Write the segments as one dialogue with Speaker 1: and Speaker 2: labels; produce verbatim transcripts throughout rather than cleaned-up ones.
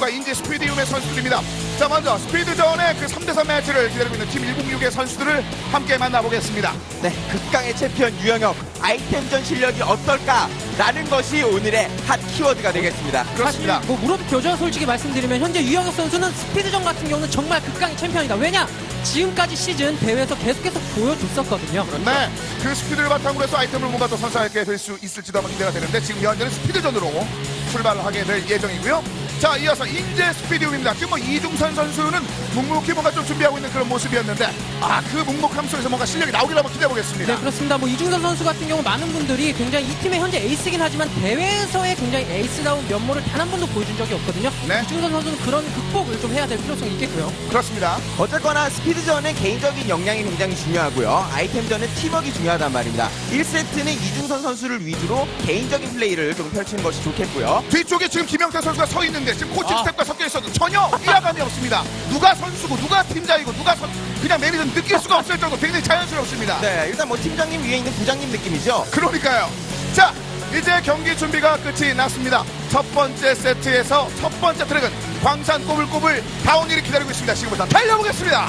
Speaker 1: 선수와 인제 스피디움의 선수들입니다. 자, 먼저 스피드전의 그 삼 대 삼 매치를 기다리고 있는 팀 일공육의 선수들을 함께 만나보겠습니다.
Speaker 2: 네, 극강의 챔피언 유영혁, 아이템전 실력이 어떨까라는 것이 오늘의 핫 키워드가 되겠습니다.
Speaker 1: 그렇습니다.
Speaker 3: 사실 뭐 무릎 교정 솔직히 말씀드리면 현재 유영혁 선수는 스피드전 같은 경우는 정말 극강의 챔피언이다. 왜냐? 지금까지 시즌 대회에서 계속해서 보여줬었거든요.
Speaker 1: 네, 그 스피드를 바탕으로 해서 아이템을 뭔가 더 선사하게 될 수 있을지도 한번 기대가 되는데 지금 현재는 스피드전으로 출발을 하게 될 예정이고요. 자, 이어서 인제 스피디움입니다. 지금 뭐 이중선 선수는 묵묵히 뭔가 좀 준비하고 있는 그런 모습이었는데 아, 그 묵묵함 속에서 뭔가 실력이 나오길 한번 기대해보겠습니다.
Speaker 3: 네, 그렇습니다. 뭐 이중선 선수 같은 경우 많은 분들이 굉장히 이 팀의 현재 에이스긴 하지만 대회에서의 굉장히 에이스다운 면모를 단 한 번도 보여준 적이 없거든요.
Speaker 1: 네.
Speaker 3: 이중선 선수는 그런 극복을 좀 해야 될 필요성이 있겠고요.
Speaker 1: 그렇습니다.
Speaker 2: 어쨌거나 스피드전은 개인적인 역량이 굉장히 중요하고요. 아이템전은 팀워크가 중요하단 말입니다. 일 세트는 이중선 선수를 위주로 개인적인 플레이를 좀 펼치는 것이 좋겠고요.
Speaker 1: 뒤쪽에 지금 김영태 선수가 서 있는데 지금 코칭
Speaker 3: 아.
Speaker 1: 스텝과 섞여 있어도 전혀 이해감이 없습니다. 누가 선수고 누가 팀장이고 누가 선, 그냥 매니저는 느낄 수가 없을 정도 굉장히 자연스럽습니다.
Speaker 2: 네, 일단 뭐 팀장님 위에 있는 부장님 느낌이죠.
Speaker 1: 그러니까요. 자, 이제 경기 준비가 끝이 났습니다. 첫 번째 세트에서 첫 번째 트랙은 광산 꼬불꼬불 다운힐이 기다리고 있습니다. 지금부터 달려보겠습니다.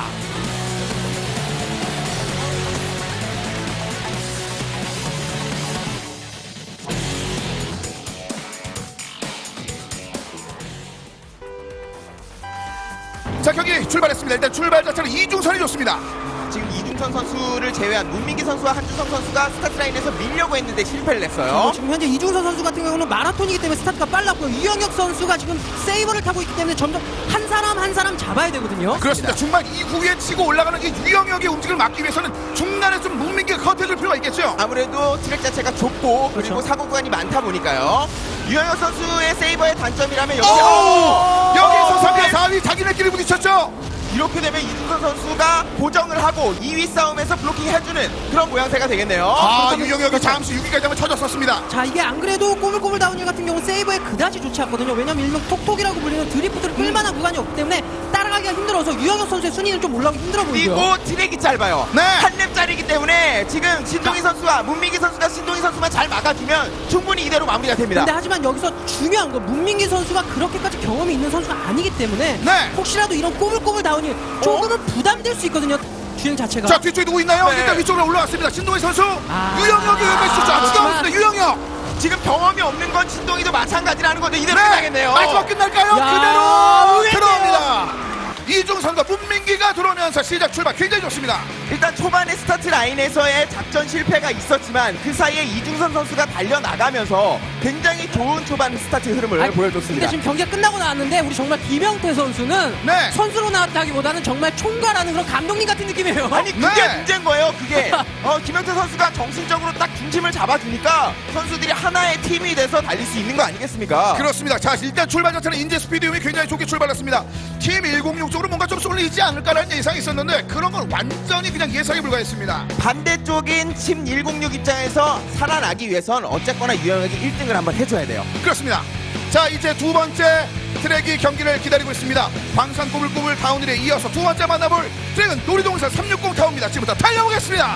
Speaker 1: 자, 경기 출발했습니다. 일단 출발 자체는 이중선이 좋습니다.
Speaker 2: 지금 이중선 선수를 제외한 문민기 선수와 한주성 선수가 스타트 라인에서 밀려고 했는데 실패를 냈어요.
Speaker 3: 어, 지금 현재 이중선 선수 같은 경우는 마라톤이기 때문에 스타트가 빨랐고요. 유영혁 선수가 지금 세이버를 타고 있기 때문에 점점 한 사람 한 사람 잡아야 되거든요.
Speaker 1: 그렇습니다. 중반 이후에 치고 올라가는 이 유영혁의 움직임을 막기 위해서는 중간에 좀 문민기가 커트해줄 필요가 있겠죠.
Speaker 2: 아무래도 트랙 자체가 좁고 그리고
Speaker 3: 그렇죠.
Speaker 2: 사고 구간이 많다 보니까요. 유영혁 선수의 세이버의 단점이라면 역시
Speaker 1: 오! 여기서 삼 위,
Speaker 2: 네.
Speaker 1: 사 위 자기네끼리 부딪혔죠.
Speaker 2: 이렇게 되면 이중선 선수가 고정을 하고 이 위 싸움에서 블로킹 해주는 그런 모양새가 되겠네요.
Speaker 1: 아,
Speaker 3: 그렇다면-
Speaker 1: 유영혁이 잠시 육 위까지 한번 쳐졌었습니다.
Speaker 3: 자, 이게 안 그래도 꼬물꼬물 다운힐 같은 경우 세이버에 그다지 좋지 않거든요. 왜냐면 일명 톡톡이라고 불리는 드리프트를 끌만한 구간이 없기 때문에 따라가기가 힘들어서 유영혁 선수의 순위는 좀 올라오기 힘들어 보이고요.
Speaker 2: 그리고 트랙이 짧아요.
Speaker 1: 네.
Speaker 2: 한 랩짜리기 때문에 지금 신동희 선수와 문민기 선수가 신동희 선수만 잘 막아주면 충분히 이대로 마무리가 됩니다.
Speaker 3: 근데 하지만 여기서 중요한 건 문민기 선수가 그렇게까지 경험이 있는 선수가 아니기 때문에
Speaker 1: 네.
Speaker 3: 혹시라도 이런 꼬물꼬물 다운힐 조금은 부담될 수 있거든요. 주행 자체가.
Speaker 1: 자, 뒤쪽에 누구 있나요?
Speaker 2: 네.
Speaker 1: 일단 위쪽으로 올라왔습니다. 신동희 선수.
Speaker 3: 아.
Speaker 1: 유영혁이 여기까지 쳤죠.
Speaker 3: 아,
Speaker 1: 추가
Speaker 3: 그렇지만-
Speaker 1: 없습니다. 유영혁.
Speaker 2: 지금 경험이 없는 건 신동희도 마찬가지라는 건데 이대로
Speaker 1: 네.
Speaker 2: 끝나겠네요.
Speaker 1: 마지막 끝날까요?
Speaker 3: 야,
Speaker 1: 그대로
Speaker 3: 의외네요.
Speaker 1: 들어옵니다. 이중선과 문민기가 들어오면서 시작 출발 굉장히 좋습니다.
Speaker 2: 일단 초반에 스타트 라인에서의 작전 실패가 있었지만 그 사이에 이중선 선수가 달려나가면서 굉장히 좋은 초반 스타트 흐름을
Speaker 3: 아니,
Speaker 2: 보여줬습니다.
Speaker 3: 근데 지금 경기가 끝나고 나왔는데 우리 정말 김영태 선수는
Speaker 1: 네.
Speaker 3: 선수로 나왔다기보다는 정말 총괄하는 그런 감독님 같은 느낌이에요.
Speaker 2: 아니 그게
Speaker 1: 네.
Speaker 2: 문제인 거예요. 그게 어, 김영태 선수가 정신적으로 딱 중심을 잡아주니까 선수들이 하나의 팀이 돼서 달릴 수 있는 거 아니겠습니까?
Speaker 1: 그렇습니다. 자, 일단 출발 자체는 인제 스피디움이 굉장히 좋게 출발했습니다. 팀 일공육 쪽으로 뭔가 좀 쏠리지 않을까라는 예상이 있었는데 그런 건 완전히 그냥 예상에 불과했습니다.
Speaker 2: 반대쪽인 팀 일공육 입장에서 살아나기 위해선 어쨌거나 유영혁이 일 등을 한번 해줘야 돼요.
Speaker 1: 그렇습니다. 자, 이제 두 번째 트랙이 경기를 기다리고 있습니다. 광산 꼬불꼬불 다운힐에 이어서 두 번째 만나볼 트랙은 놀이동산 삼육공 타운입니다. 지금부터 달려보겠습니다.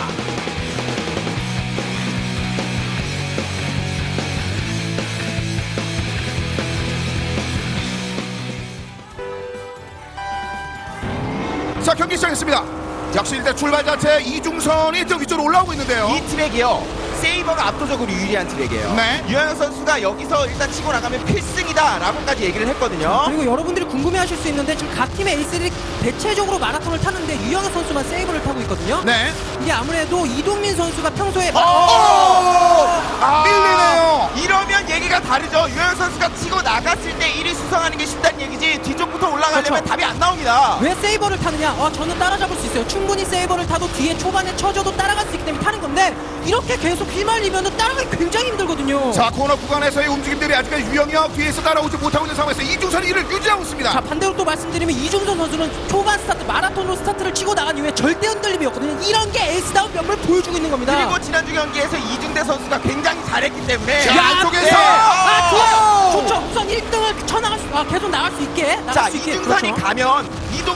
Speaker 1: 자, 경기 시작했습니다. 역시 일단 출발 자체 이중선이 저 위쪽으로 올라오고 있는데요.
Speaker 2: 이 트랙이요. 세이버가 압도적으로 유리한 트랙이에요.
Speaker 1: 네.
Speaker 2: 유영혁 선수가 여기서 일단 치고 나가면 필승이다라고까지 얘기를 했거든요.
Speaker 3: 그리고 여러분들이 궁금해하실 수 있는데 지금 각 팀의 에이스들이 대체적으로 마라톤을 타는데 유영혁 선수만 세이버를 타고 있거든요.
Speaker 1: 네.
Speaker 3: 이게 아무래도 이동민 선수가 평소에
Speaker 1: 오! 아, 밀리네요.
Speaker 2: 이러면 얘기가 다르죠. 유영혁 선수가 치고 나갔을 때 일 위 수성하는 게 쉽다는 얘기지 뒤쪽부터 올라가려면
Speaker 3: 그렇죠.
Speaker 2: 답이 안 나옵니다.
Speaker 3: 왜 세이버를 타느냐? 어, 저는 따라잡을 수 있어요. 충분히 세이버를 타도 뒤에 초반에 쳐줘도 따라갈 수 있기 때문에 타는 건데 이렇게 계속 휘말리면 따라가기 굉장히 힘들거든요.
Speaker 1: 자, 코너 구간에서의 움직임들이 아직까지 유영혁 뒤에서 따라오지 못하고 있는 상황에서 이중선이 이를 유지하고 있습니다.
Speaker 3: 자, 반대로 또 말씀드리면 이중선 선수는 초반 스타트 마라톤으로 스타트를 치고 나간 이후에 절대 흔들림이었거든요. 이런 게 에이스다운 면모를 보여주고 있는 겁니다.
Speaker 2: 그리고 지난주 경기에서 이중대 선수가 굉장히 잘했기 때문에
Speaker 1: 자, 안쪽에서
Speaker 2: 네.
Speaker 3: 아, 좋아요.
Speaker 1: 오!
Speaker 3: 좋죠. 우선 일 등을 쳐나갈 수, 아, 계속 나갈 수 있게. 나갈
Speaker 2: 자,
Speaker 3: 수 있게.
Speaker 2: 이중선이
Speaker 3: 그렇죠.
Speaker 2: 가면 이동민, 신동희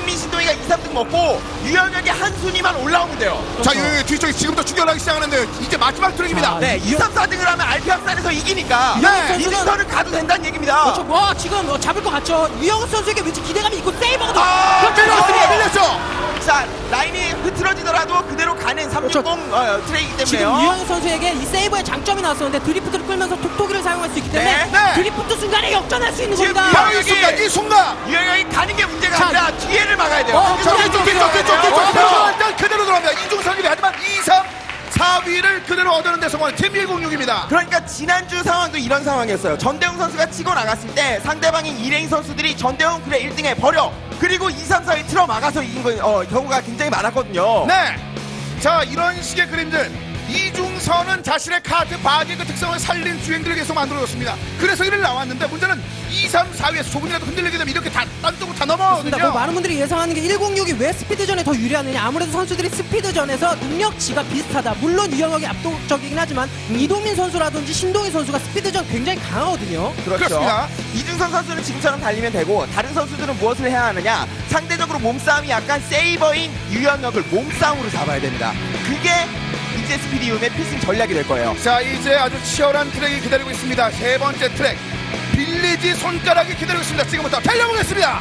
Speaker 2: 저희가 이, 삼 등 먹고 유영혁이 한 순위만 올라오면 돼요.
Speaker 1: 자, 이 뒤쪽에 지금부터 추격하기 시작하는데 이제 마지막 트랙입니다.
Speaker 3: 자,
Speaker 2: 네, 이, 삼, 사 등을 하면 알피 합산에서 이기니까
Speaker 1: 네.
Speaker 2: 이등선을 가도 된다는 얘기입니다.
Speaker 3: 그렇죠. 와 지금 어, 잡을 것 같죠. 유영혁 선수에게 왠지 기대감이 있고 세이버가 더
Speaker 2: 아,
Speaker 3: 그렇죠.
Speaker 1: 밀렸습니다.
Speaker 3: 그렇죠.
Speaker 1: 밀렸죠.
Speaker 2: 자, 라인이 흐트러지더라도 그대로 가는 삼백육십 어, 트랙이기
Speaker 3: 지금
Speaker 2: 때문에요.
Speaker 3: 유영혁 선수에게 이 세이버의 장점이 나왔었는데 드리프트를 끌면서 톡톡이를 사용할 수 있기 때문에
Speaker 2: 네,
Speaker 1: 네.
Speaker 3: 드리프트 순간에 역전할 수 있는
Speaker 2: 지금
Speaker 3: 겁니다.
Speaker 1: 바로 이 순간, 이 순간.
Speaker 2: 유영혁이 가는 게 문제가
Speaker 3: 자,
Speaker 2: 아니라 뒤에를 막아야 돼요.
Speaker 3: 어,
Speaker 1: 자,
Speaker 3: 자,
Speaker 1: 뒤쪽, 뒤쪽, 뒤쪽, 뒤쪽, 뒤쪽. 일단 그대로 들어갑니다. 이중선이 하지만 이, 삼, 사 위를 그대로 얻어낸 데 성공한 팀 일공육입니다.
Speaker 2: 그러니까 지난주 상황도 이런 상황이었어요. 전대웅 선수가 치고 나갔을 때 상대방인 이레인 선수들이 전대웅 그래 일 등에 버려. 그리고 이, 삼, 사 위 틀어 막아서 이긴 거, 어, 경우가 굉장히 많았거든요.
Speaker 1: 네. 자, 이런 식의 그림들. 이중선은 자신의 카드 바디의 그 특성을 살린 주행들을 계속 만들어줬습니다. 그래서 이를 나왔는데 문제는 이, 삼, 사 위에서 조금이라도 흔들리게 되면 이렇게 다, 딴 쪽으로 다
Speaker 3: 그렇습니다.
Speaker 1: 넘어가거든요.
Speaker 3: 뭐 많은 분들이 예상하는 게 일공육이 왜 스피드전에 더 유리하느냐. 아무래도 선수들이 스피드전에서 능력치가 비슷하다. 물론 유영혁이 압도적이긴 하지만 이동민 선수라든지 신동희 선수가 스피드전 굉장히 강하거든요.
Speaker 2: 그렇죠.
Speaker 1: 그렇습니다.
Speaker 2: 이중선 선수는 지금처럼 달리면 되고 다른 선수들은 무엇을 해야 하느냐? 상대적으로 몸싸움이 약간 세이버인 유영혁을 몸싸움으로 잡아야 됩니다. 그게 이제 스피디움의 필승 전략이 될 거예요.
Speaker 1: 자, 이제 아주 치열한 트랙이 기다리고 있습니다. 세 번째 트랙. 빌리지 손가락이 기다리고 있습니다. 지금부터 달려보겠습니다.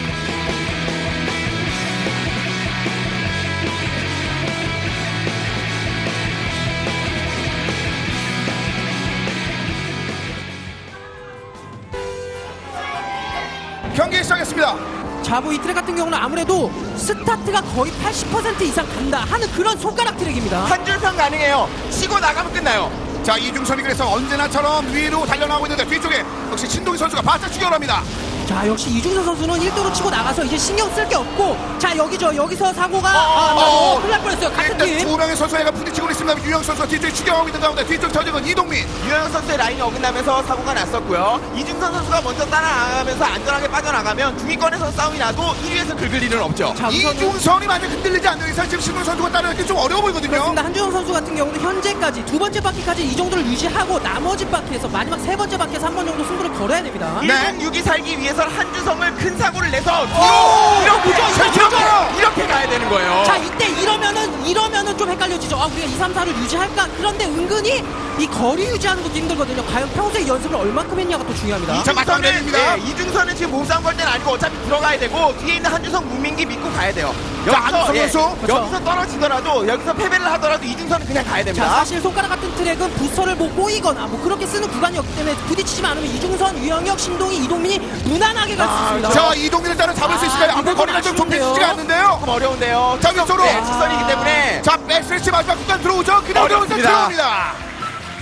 Speaker 1: 경기 시작했습니다.
Speaker 3: 자부 이 트랙 같은 경우는 아무래도 스타트가 거의 팔십 퍼센트 이상 간다 하는 그런 손가락 트랙입니다.
Speaker 2: 한 줄평 가능해요. 치고 나가면 끝나요.
Speaker 1: 자, 이중선이 그래서 언제나처럼 위로 달려나오고 있는데 뒤쪽에 역시 신동희 선수가 바짝 추격을 합니다.
Speaker 3: 자 역시 이중선 선수는 일 도로 치고 나가서 이제 신경 쓸 게 없고 자 여기죠. 여기서 사고가
Speaker 1: 어,
Speaker 3: 아,
Speaker 1: 어,
Speaker 3: 어, 큰일 날 뻔했어요. 같은
Speaker 1: 일단
Speaker 3: 팀.
Speaker 1: 두 명의 선수가 부딪히고 있습니다. 유영 선수가 뒤쪽에 추격하고 있는 가운데 뒤쪽 저직은 이동민.
Speaker 2: 유영혁 선수의 라인이 어긋나면서 사고가 났었고요. 이중선 선수가 먼저 따라가면서 안전하게 빠져나가면 중위권에서 싸움이 나도 일 위에서 긁을 일은 없죠.
Speaker 3: 자, 우선은
Speaker 1: 이중선이 만약 흔들리지 않는 이상 지금 신동 선수가 따라가기 좀 어려워 보이거든요.
Speaker 3: 그렇습니다. 한준호 선수 같은 경우도 현재까지 두 번째 바퀴까지 이 정도를 유지하고 나머지 바퀴에서 마지막 세 번째 바퀴에서 한 번 정도 승부를 걸어야 됩니다.
Speaker 1: 네.
Speaker 2: 일공육이 살기 위해서는 한주성을 큰 사고를 내서
Speaker 1: 오!
Speaker 2: 뒤로 이렇게
Speaker 3: 그죠, 이거
Speaker 2: 이렇게,
Speaker 3: 그죠.
Speaker 2: 이렇게 가야 되는 거예요.
Speaker 3: 자 이때 이러면은 이러면은 좀 헷갈려지죠. 아 우리가 이, 삼, 사를 유지할까? 그런데 은근히 이 거리 유지하는 것도 힘들거든요. 과연 평소에 연습을 얼만큼 했냐가 또 중요합니다.
Speaker 1: 자, 마지막
Speaker 2: 이중선은
Speaker 1: 내립니다.
Speaker 2: 예, 이중선은 지금 몸싸움 걸 때는 아니고 어차피 들어가야 되고 뒤에 있는 한주성 문민기 믿고 가야 돼요.
Speaker 1: 자, 한주성 선수.
Speaker 3: 그렇죠.
Speaker 2: 여기서 떨어지더라도 여기서 패배를 하더라도 이중선은 그냥 가야
Speaker 3: 자
Speaker 2: 됩니다.
Speaker 3: 사실 손가락 같은 트랙은 부스터를 뭐 꼬이거나 뭐 그렇게 쓰는 구간이었기 때문에 부딪히지만 않으면 이중선, 유영혁, 신동희, 이동민이 무난하게 갈 수
Speaker 2: 아,
Speaker 3: 있습니다.
Speaker 1: 자, 이동민을 따라 잡을 수
Speaker 3: 아,
Speaker 1: 있을까요? 앞으로
Speaker 3: 이건
Speaker 1: 거리가 좀
Speaker 3: 아쉬운데요.
Speaker 1: 좁혀지지가 않는데요.
Speaker 2: 조금 어려운데요.
Speaker 1: 자, 위쪽으로.
Speaker 2: 네, 직선이기 때문에
Speaker 1: 자, 백스트레치 마지막 구간 들어오죠. 그대로 들어오죠.
Speaker 2: 어렵습니다.
Speaker 1: 들어옵니다.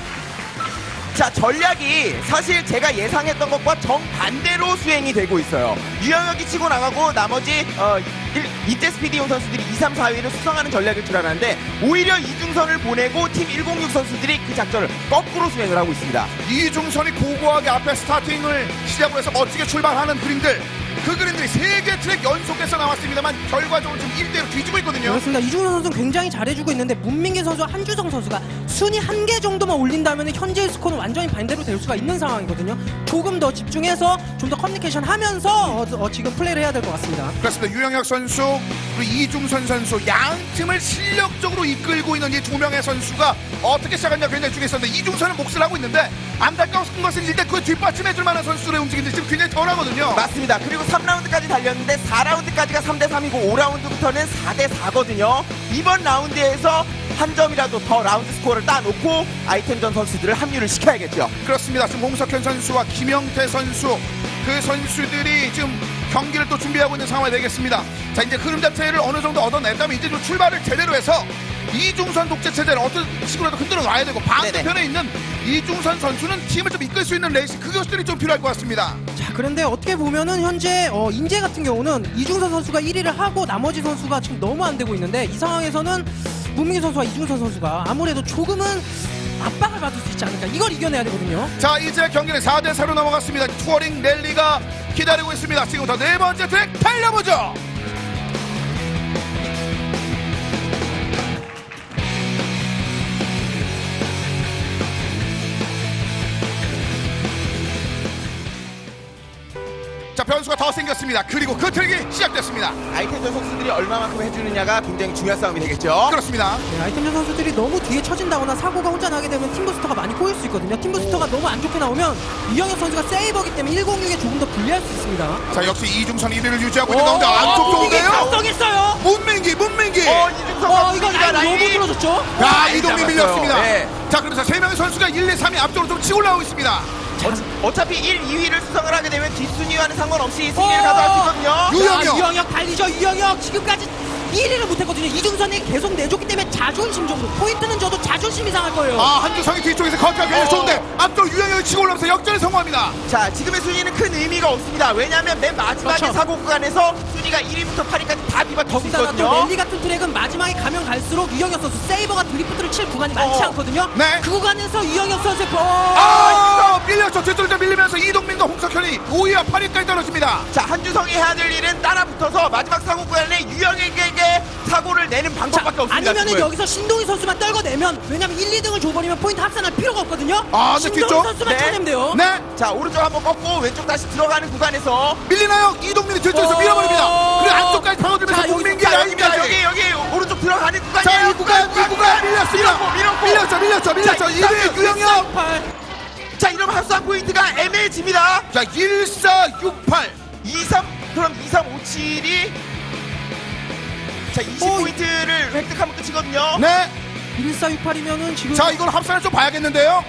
Speaker 2: 자, 전략이 사실 제가 예상했던 것과 정반대로 수행이 되고 있어요. 유영혁이 치고 나가고 나머지 어, 이때 스피디온 선수들이 이, 삼, 사 위를 수성하는 전략일 줄 알았는데 오히려 이중선을 보내고 팀 일공육 선수들이 그 작전을 거꾸로 수행을 하고 있습니다.
Speaker 1: 이중선이 고고하게 앞에 스타팅을 시작으로 해서 멋지게 출발하는 그림들. 그 그림들이 세 개 트랙 연속해서 나왔습니다만 결과적으로 지금 일 대로 뒤지고 있거든요.
Speaker 3: 그렇습니다. 이중선 선수는 굉장히 잘해주고 있는데 문민기 선수와 한주성 선수가 순위 한 개 정도만 올린다면 현재의 스코어는 완전히 반대로 될 수가 있는 상황이거든요. 조금 더 집중해서 좀 더 커뮤니케이션 하면서 어, 어, 지금 플레이를 해야 될 것 같습니다.
Speaker 1: 그렇습니다. 유영혁 선수 그리고 이중선 선수 양 팀을 실력적으로 이끌고 있는 이 두 명의 선수가 어떻게 시작했냐 굉장히 중요했었는데 이중선은 몫을 하고 있는데 안타까운 것은 일단 그 뒷받침해줄 만한 선수들의 움직임들이 지금 굉장히 덜하거든요.
Speaker 2: 맞습니다. 그리고 삼 라운드까지 달렸는데 사 라운드까지가 삼 대 삼이고 오 라운드부터는 사 대 사거든요. 이번 라운드에서 한 점이라도 더 라운드 스코어를 따놓고 아이템전 선수들을 합류를 시켜야겠죠.
Speaker 1: 그렇습니다. 지금 홍석현 선수와 김영태 선수 그 선수들이 지금 경기를 또 준비하고 있는 상황이 되겠습니다. 자, 이제 흐름 자체를 어느 정도 얻어냈다면 이제 좀 출발을 제대로 해서 이중선 독재 체제를 어떤 식으로라도 흔들어 놔야 되고 반대편에 있는 이중선 선수는 팀을 좀 이끌 수 있는 레이스 그것들이 좀 필요할 것 같습니다.
Speaker 3: 자 그런데 어떻게 보면은 현재 어, 인제 같은 경우는 이중선 선수가 일 위를 하고 나머지 선수가 지금 너무 안 되고 있는데 이 상황에서는 문민기 선수와 이중선 선수가 아무래도 조금은 압박을 받을 수 있지 않을까. 이걸 이겨내야 되거든요.
Speaker 1: 자, 이제 경기는 사 대 사로 넘어갔습니다. 투어링 랠리가 기다리고 있습니다. 지금부터 네 번째 트랙 달려보죠. 자, 변수가 더 생겼습니다. 그리고 그 트랙이 시작됐습니다.
Speaker 2: 아이템전 선수들이 얼마만큼 해주느냐가 굉장히 중요한 싸움이 되겠죠.
Speaker 1: 그렇습니다.
Speaker 3: 네, 아이템전 선수들이 너무 뒤에 처진다거나 사고가 혼자 나게 되면 팀부스터가 많이 꼬일 수 있거든요. 팀부스터가 너무 안 좋게 나오면 이영혁 선수가 세이버기 때문에 일공육에 조금 더 불리할 수 있습니다.
Speaker 1: 자, 역시 이중선 일 위를 유지하고 있는 가운데 안쪽 좋은데요?
Speaker 3: 각성했어요.
Speaker 1: 문민기, 문민기.
Speaker 2: 어, 이중선
Speaker 3: 어, 이거
Speaker 2: 선수가
Speaker 3: 라인 너무
Speaker 2: 라인이
Speaker 3: 부러졌죠?
Speaker 1: 야, 이동민
Speaker 2: 잡았어요.
Speaker 1: 밀렸습니다.
Speaker 2: 네.
Speaker 1: 자, 그러면서 세 명의 선수가 일, 이, 삼 위 앞쪽으로 좀 치고 올라오고 있습니다.
Speaker 2: 어, 어차피 일, 이 위를 수성을 하게 되면 뒷순위와는 상관없이 승리를
Speaker 3: 어!
Speaker 2: 가져갈 수 있거든요.
Speaker 1: 유영혁.
Speaker 3: 자, 유영혁 달리죠. 유영혁 지금까지 일 위를 못했거든요. 이중선이 계속 내줬기 때문에 자존심 정도. 포인트는 저도 자존심이 상할 거예요.
Speaker 1: 아, 한주성이 뒤쪽에서 커트가 굉장히
Speaker 2: 어.
Speaker 1: 좋은데 앞쪽 유영혁이 치고 올라오면서 역전에 성공합니다.
Speaker 2: 자, 지금의 순위는 큰 의미가 없습니다. 왜냐하면 맨 마지막에
Speaker 3: 그렇죠.
Speaker 2: 사고 구간에서 순위가 일 위부터 팔 위까지 다 뒤바뀔 수
Speaker 3: 거기다가 또
Speaker 2: 있거든요.
Speaker 3: 랠리 같은 트랙은 마지막에 가면 갈수록 유영혁 선수 세이버가 드리프트를 칠 구간이 많지
Speaker 2: 어.
Speaker 3: 않거든요.
Speaker 1: 네.
Speaker 3: 그 구간에서 유영혁 선수의 버...
Speaker 1: 아, 밀렸죠. 뒤쪽으로 밀리면서 이동민과 홍석현이 오 위와 팔 위까지 떨어집니다.
Speaker 2: 자, 한주성이 해야 될 일은 따라 붙어서 마지막 사고 구간에 유영에게 사고를 내는 방법밖에 없습니다.
Speaker 3: 아니면은
Speaker 2: 지금.
Speaker 3: 여기서 신동희 선수만 떨궈내면 왜냐면 일, 이 등을 줘버리면 포인트 합산할 필요가 없거든요.
Speaker 1: 아, 근데
Speaker 3: 신동희
Speaker 1: 뒤쪽?
Speaker 3: 선수만
Speaker 2: 네.
Speaker 3: 쳐내면 돼요.
Speaker 1: 네.
Speaker 2: 자, 오른쪽 한번 꺾고 왼쪽 다시 들어가는 구간에서
Speaker 1: 밀리나요? 이동민이 뒤쪽에서
Speaker 3: 어.
Speaker 1: 밀어버립니다. 그리고 안쪽까지 파고들면서
Speaker 3: 자, 여기서
Speaker 1: 문민기
Speaker 2: 자,
Speaker 1: 라인까지.
Speaker 2: 여기입니다. 여기 여기 오른쪽 들어가는 구간이에요.
Speaker 1: 자, 이 구간, 이 구간 밀렸습니다.
Speaker 2: 밀었고, 밀었고.
Speaker 1: 밀렸죠, 밀렸죠, 밀렸죠.
Speaker 2: 자,
Speaker 1: 일 위 유영혁.
Speaker 2: 자, 이러면 합산 포인트가 애매해집니다.
Speaker 1: 자, 일, 사, 육, 팔.
Speaker 2: 이, 삼 그럼 이, 삼, 오, 칠이 자, 이십 포인트를 획득하면 끝이거든요.
Speaker 1: 네.
Speaker 3: 일사육팔이면은 지금
Speaker 1: 자, 이걸 합산을 좀 봐야겠는데요.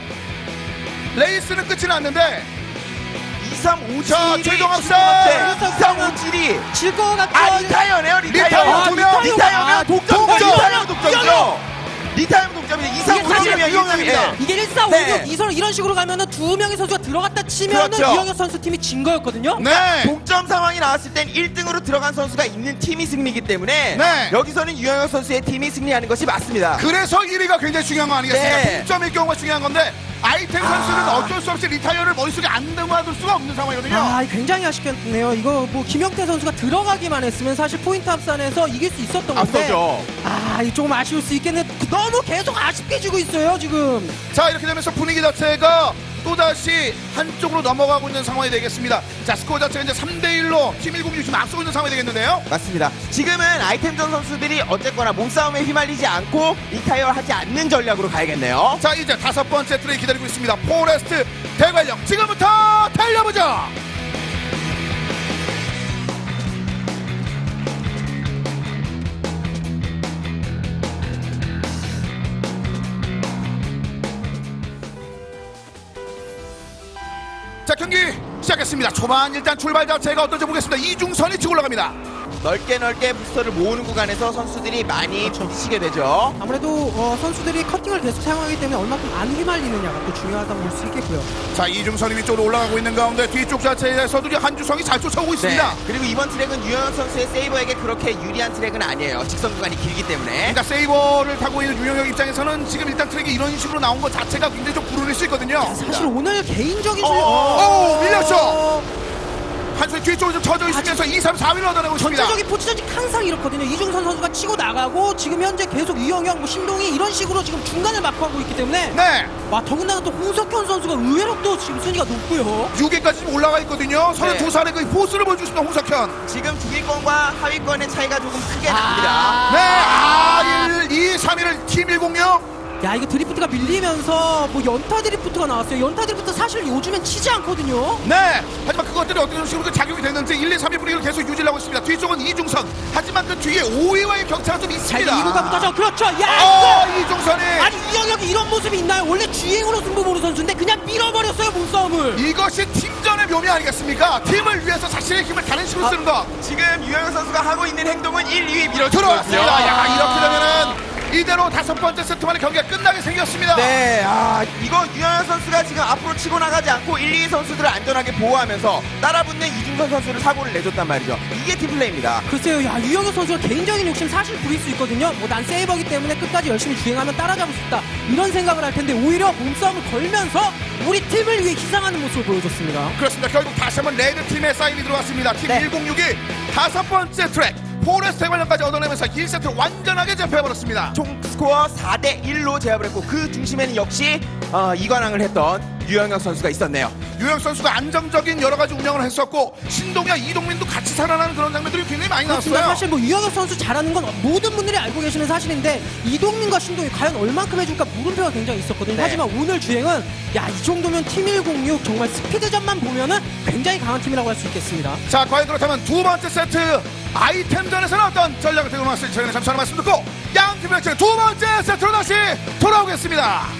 Speaker 1: 레이스는 끝이 났는데.
Speaker 2: 이, 삼, 오, 칠이
Speaker 1: 자, 최종 합산.
Speaker 2: 이, 삼, 오, 칠이
Speaker 3: 질 것 같죠.
Speaker 2: 아, 리타이어네요.
Speaker 1: 리타이어
Speaker 2: 리타이어.
Speaker 1: 두 명.
Speaker 2: 리타이어면 독점이죠.
Speaker 1: 독점.
Speaker 2: 리타이어 독점이죠. 리타이어 독점이죠. 이, 삼, 오,
Speaker 3: 이게 사실
Speaker 2: 칠이면
Speaker 1: 유영혁입니다.
Speaker 3: 이게 일사오육
Speaker 2: 네.
Speaker 3: 이선 이런 식으로 가면은 두 명의 선수가 들어갔다 치면은
Speaker 2: 그렇죠.
Speaker 3: 유영혁 선수 팀이 진 거였거든요.
Speaker 1: 네.
Speaker 2: 동점 상황이 나왔을 땐 일 등으로 들어간 선수가 있는 팀이 승리이기 때문에
Speaker 1: 네.
Speaker 2: 여기서는 유영혁 선수의 팀이 승리하는 것이 맞습니다.
Speaker 1: 그래서 일 위가 굉장히 중요한 거 아니겠습니까?
Speaker 2: 네.
Speaker 1: 동점일 경우가 중요한 건데 아이템 선수는 어쩔 수 없이 리타이어를 머릿속에 안 담아둘 수가 없는 상황이거든요.
Speaker 3: 아, 굉장히 아쉽겠네요. 이거 뭐 김영태 선수가 들어가기만 했으면 사실 포인트 합산에서 이길 수 있었던 건데.
Speaker 2: 앞서죠.
Speaker 3: 아, 이 조금 아쉬울 수 있겠네. 너무 계속 아쉽게 지고 있어요, 지금.
Speaker 1: 자, 이렇게 되면서 분위기 자체가 또다시 한쪽으로 넘어가고 있는 상황이 되겠습니다. 자, 스코어 자체가 이제 삼 대 일로 팀 일공육 지금 앞서고 있는 상황이 되겠는데요.
Speaker 2: 맞습니다. 지금은 아이템전 선수들이 어쨌거나 몸싸움에 휘말리지 않고 리타이어 하지 않는 전략으로 가야겠네요.
Speaker 1: 자, 이제 다섯 번째 트랙 기다리고 있습니다. 포레스트 대관령 지금부터 달려보죠. 자, 경기 시작했습니다. 초반 일단 출발 자체가 어떨지 보겠습니다. 이중선이 치고 올라갑니다.
Speaker 2: 넓게 넓게 부스터를 모으는 구간에서 선수들이 많이 부딪히게 되죠.
Speaker 3: 아무래도 어, 선수들이 커팅을 계속 사용하기 때문에 얼마큼 안 휘말리느냐가 또 중요하다고 볼 수 있겠고요.
Speaker 1: 자, 이중선이 위쪽으로 올라가고 있는 가운데 뒤쪽 자체에서도 한주성이 잘 쫓아오고 있습니다.
Speaker 2: 네. 그리고 이번 트랙은 유영혁 선수의 세이버에게 그렇게 유리한 트랙은 아니에요. 직선 구간이 길기 때문에.
Speaker 1: 그러니까 세이버를 타고 있는 유영혁 입장에서는 지금 일단 트랙이 이런 식으로 나온 것 자체가 굉장히 좀 불운일 수 있거든요.
Speaker 3: 사실 오늘 개인적인
Speaker 2: 어,
Speaker 3: 질-
Speaker 2: 어,
Speaker 1: 어, 밀렸죠. 한수의 뒤쪽으로 좀 쳐져 있으면서 이, 삼, 사 위를 얻어내고 있습니다.
Speaker 3: 전체적인 포지션이 항상 이렇거든요. 이중선 선수가 치고 나가고 지금 현재 계속 유영혁, 뭐 신동이 이런 식으로 지금 중간을 막고하고 있기 때문에
Speaker 1: 네,
Speaker 3: 와 더군다나 또 홍석현 선수가 의외로 또 지금 순위가 높고요.
Speaker 1: 육 위까지 지금 올라가 있거든요. 서른두 살의 그 포스를 보여주십니다, 홍석현.
Speaker 2: 지금 중위권과 하위권의 차이가 조금 크게
Speaker 3: 아.
Speaker 2: 납니다.
Speaker 1: 네, 아, 일, 이, 삼 위를 팀 일공육.
Speaker 3: 야 이거 드리프트가 밀리면서 뭐 연타 드리프트가 나왔어요. 연타 드리프트 사실 요즘엔 치지 않거든요.
Speaker 1: 네, 하지만 그것들이 어떤 식으로 그 작용이 됐는지 일, 이, 삼 위 분위기를 계속 유지하고 있습니다. 뒤쪽은 이중선. 하지만 그 뒤에 오 위와의 격차가 좀
Speaker 3: 자 이제
Speaker 1: 있습니다.
Speaker 3: 이 구간부터죠. 그렇죠. 야
Speaker 1: 어,
Speaker 3: 이거
Speaker 1: 이중선이.
Speaker 3: 아니 이영혁이 이런 모습이 있나요? 원래 주행으로 승부 보는 선수인데 그냥 밀어버렸어요 몸싸움을.
Speaker 1: 이것이 팀전의 묘미 아니겠습니까? 팀을 위해서 자신의 힘을 다른 식으로 쓰는 것.
Speaker 2: 지금 유영혁 선수가 하고 있는 행동은 일, 이 위 밀어주는
Speaker 1: 들어왔습니다.
Speaker 2: 거거든요.
Speaker 1: 야, 이렇게 되면은 이대로 다섯 번째 세트 만에 경기가 끝나게 생겼습니다.
Speaker 2: 네, 아, 이거 유영혁 선수가 지금 앞으로 치고 나가지 않고 일, 이 위 선수들을 안전하게 보호하면서 따라붙는 이중선 선수를 사고를 내줬단 말이죠. 이게 팀플레이입니다.
Speaker 3: 글쎄요, 야 유영혁 선수가 개인적인 욕심 사실 부릴 수 있거든요. 뭐 난 세이버기 때문에 끝까지 열심히 주행하면 따라잡을 수 있다 이런 생각을 할 텐데 오히려 몸싸움을 걸면서 우리 팀을 위해 희생하는 모습을 보여줬습니다.
Speaker 1: 그렇습니다. 결국 다시 한번 레드 팀의 사인이 들어왔습니다. 팀
Speaker 3: 네.
Speaker 1: 일공육이 다섯 번째 트랙 포레스트 관련까지 얻어내면서 일 세트를 완전하게 제패해버렸습니다.
Speaker 2: 총 스코어 사 대 일로 제압을 했고 그 중심에는 역시 어, 이관왕을 했던 유영혁 선수가 있었네요.
Speaker 1: 유영 선수가 안정적인 여러 가지 운영을 했었고 신동엽, 이동민도 같이 살아나는 그런 장면들이 굉장히 많이
Speaker 3: 그렇습니다.
Speaker 1: 나왔어요.
Speaker 3: 사실 뭐 유영혁 선수 잘하는 건 모든 분들이 알고 계시는 사실인데 이동민과 신동이 과연 얼만큼 해줄까 물음표가 굉장히 있었거든요.
Speaker 2: 네.
Speaker 3: 하지만 오늘 주행은 야 이 정도면 팀 일공육 정말 스피드전만 보면은 굉장히 강한 팀이라고 할 수 있겠습니다.
Speaker 1: 자, 과연 그렇다면 두 번째 세트 아이템전에서는 어떤 전략을 들고 나왔을지 저희는 잠시 후에 말씀 듣고 양 팀의 두 번째 세트로 다시 돌아오겠습니다.